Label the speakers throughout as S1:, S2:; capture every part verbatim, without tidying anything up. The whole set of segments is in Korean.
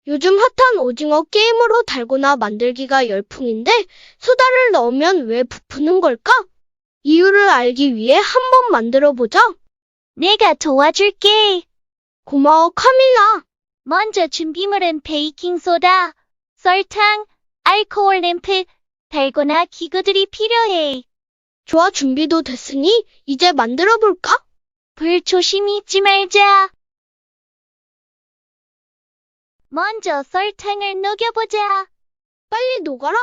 S1: 요즘 핫한 오징어 게임으로 달고나 만들기가 열풍인데 소다를 넣으면 왜 부푸는 걸까? 이유를 알기 위해 한번 만들어 보자.
S2: 내가 도와줄게.
S1: 고마워, 카밀라.
S2: 먼저 준비물은 베이킹소다, 설탕, 알코올 램프, 달고나 기구들이 필요해.
S1: 좋아, 준비도 됐으니 이제 만들어 볼까?
S2: 불 조심히 잊지 말자. 먼저 설탕을 녹여보자.
S1: 빨리 녹아라.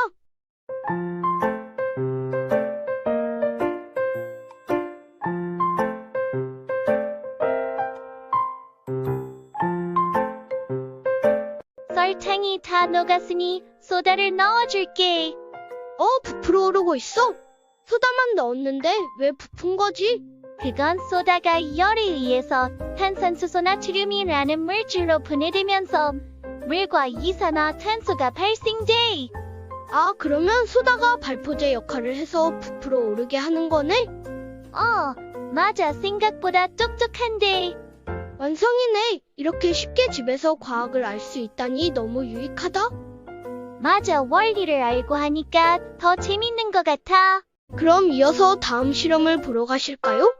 S2: 설탕이 다 녹았으니 소다를 넣어줄게.
S1: 어, 부풀어 오르고 있어. 소다만 넣었는데 왜 부푼 거지?
S2: 그건 소다가 열에 의해서 탄산수소 나트륨이라는 물질로 분해되면서 물과 이산화탄소가 발생돼.
S1: 아, 그러면 소다가 발포제 역할을 해서 부풀어 오르게 하는 거네?
S2: 어, 맞아. 생각보다 똑똑한데.
S1: 완성이네. 이렇게 쉽게 집에서 과학을 알 수 있다니 너무 유익하다.
S2: 맞아. 원리를 알고 하니까 더 재밌는 것 같아.
S1: 그럼 이어서 다음 실험을 보러 가실까요?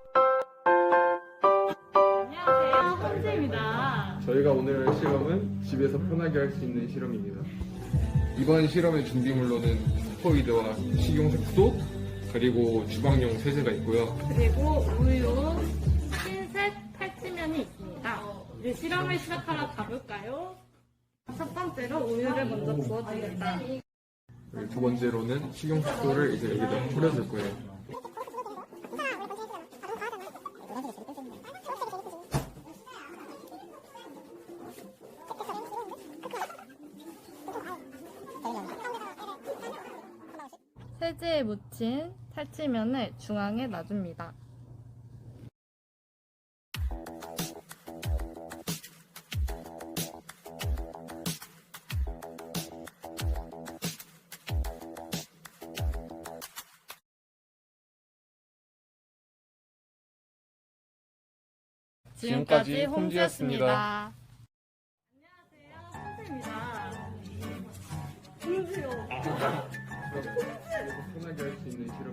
S3: 안녕하세요, 헌지입니다.
S4: 저희가 오늘 할 실험은 집에서 편하게 할 수 있는 실험입니다. 이번 실험의 준비물로는 스포이드와 식용색소, 그리고 주방용 세제가 있고요.
S3: 그리고 우유, 흰색 탈지면이 있습니다. 이제 실험을 시작하러 가볼까요? 첫 번째로 우유를 먼저 부어줍니다.
S4: 그리고 두 번째로는 식용색소를 이제 여기다 뿌려줄 거예요.
S3: 세제에 묻힌 탈지면을 중앙에 놔줍니다. 지금까지 홈즈였습니다. 안녕하세요, 홈즈입니다. 홈즈요.
S4: 편하게 할 수 있는 실험.